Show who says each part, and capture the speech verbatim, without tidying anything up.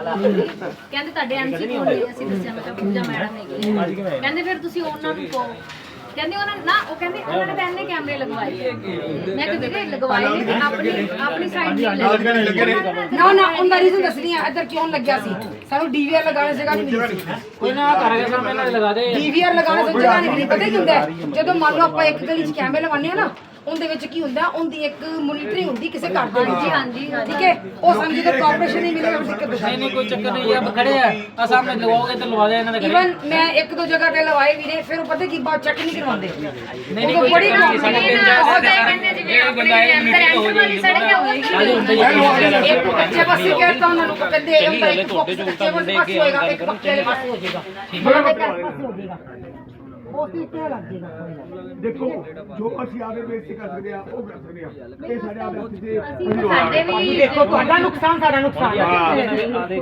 Speaker 1: ਕਹਿੰਦੇ ਤੁਹਾਡੇ ਐਮਸੀ ਕੋਲ ਨਹੀਂ ਅਸੀਂ ਦੱਸਿਆ ਮੈਂ ਕਿਹਾ ਪੂਜਾ ਮੈਡਮ ਹੈਗੀ ਕਹਿੰਦੇ ਫਿਰ ਤੁਸੀਂ ਉਹਨਾਂ ਨੂੰ ਕਹੋ ਕਹਿੰਦੇ ਉਹਨਾਂ ਨਾ ਉਹ ਕਹਿੰਦੇ ਉਹਨਾਂ ਨੇ ਬੈਨ ਨੇ ਕੈਮਰੇ ਲਗਵਾਏ ਮੈਂ ਕਿਹਾ ਵੀਰੇ ਲਗਵਾਏ ਨੇ ਆਪਣੀ ਆਪਣੀ ਸਾਈਡ ਨਹੀਂ ਲੱਗੇ
Speaker 2: ਨਾ ਨਾ ਉਹਦਾ ਰੀਜ਼ਨ ਦੱਸਣੀ ਆ ਇੱਧਰ ਕਿਉਂ ਲੱਗਿਆ ਸੀ ਸਾਨੂੰ ਡੀਵੀਆਰ ਲਗਾਉਣ ਦੀ ਜਗ੍ਹਾ ਨਹੀਂ ਮਿਲੀ ਸੀ
Speaker 3: ਕੋਈ ਨਾ ਕਰਾਂਗੇ ਸਰ ਪਹਿਲਾਂ ਲਗਾ ਦੇ
Speaker 2: ਡੀਵੀਆਰ ਲਗਾਉਣ ਦੀ ਜਗ੍ਹਾ ਨਹੀਂ ਮਿਲੀ ਪਤਾ ਕੀ ਹੁੰਦਾ ਜਦੋਂ ਮੰਨ ਲਓ ਆਪਾਂ ਇੱਕ ਗਲੀ 'ਚ ਕੈਮਰੇ ਲਵਾਉਂਦੇ ਆ ਨਾ ਉਹਦੇ ਵਿੱਚ ਕੀ ਹੁੰਦਾ ਉਹਦੀ ਇੱਕ ਮੋਨੀਟਰਿੰਗ ਹੁੰਦੀ ਕਿਸੇ ਘਰ ਦੇ ਵਿੱਚ
Speaker 1: ਹਾਂਜੀ
Speaker 2: ਠੀਕ ਹੈ ਉਹ ਸਾਨੂੰ ਜਦੋਂ ਕਾਰਪੋਰੇਸ਼ਨ ਨਹੀਂ ਮਿਲੇਗਾ ਫਿਰ ਦਿੱਕਤ
Speaker 3: ਨਹੀਂ ਨਹੀਂ ਕੋਈ ਚੱਕਰ ਨਹੀਂ ਆਪ ਖੜੇ ਆ ਆ ਸਾਹਮਣੇ ਲਗਾਓਗੇ ਤਾਂ ਲਵਾ ਦੇ ਇਹਨਾਂ ਦੇ ਘਰੇ
Speaker 2: ਇਵਨ ਮੈਂ ਇੱਕ ਦੋ ਜਗ੍ਹਾ ਤੇ ਲਵਾਏ ਵੀਰੇ ਫਿਰ ਉਹ ਪਤਾ ਕੀ ਬਾਅਦ ਚੈੱਕ ਨਹੀਂ ਕਰਵਾਉਂਦੇ
Speaker 3: ਨਹੀਂ ਨਹੀਂ ਕੋਈ
Speaker 2: ਬੜੀ
Speaker 3: ਚੱਕਰ ਨਹੀਂ ਸਾਡੇ ਤਿੰਨ ਚਾਰ ਦਿਨ ਜਿਹੜੇ ਬੰਦਾ ਇਹ ਮੀਟਿੰਗ ਹੋ ਜਾਏਗੀ
Speaker 2: ਇੱਕ ਕੱਚੇ ਪਾਸੇ ਕਹਿਤਾ ਉਹਨਾਂ ਨੂੰ ਕਹਿੰਦੇ ਇਹਦਾ ਇੱਕ ਫੋਕਸ ਕੱਚੇ ਪਾਸੇ ਹੋਏਗਾ ਇੱਕ ਪੱਕੇ ਵਾਲੇ ਪਾਸੇ ਹੋ ਜਾਏਗਾ ਮਤਲਬ ਇੱਕ ਪਾਸੇ ਹੋ ਜਾਏਗਾ ਉਹ ਕੀ ਕਿਹਾ ਲੱਗ ਜਾਏਗਾ
Speaker 4: ਦੇਖੋ ਜੋ ਅਸੀਂ ਆਦੇ ਬੇਸ ਕਰ ਸਕਦੇ ਆ ਉਹ ਕਰ ਸਕਦੇ ਆ ਇਹ ਸਾਡੇ ਆਪ ਦੇ
Speaker 1: ਸਾਡੇ ਵੀ
Speaker 2: ਦੇਖੋ ਤੁਹਾਡਾ ਨੁਕਸਾਨ ਸਾਡਾ ਨੁਕਸਾਨ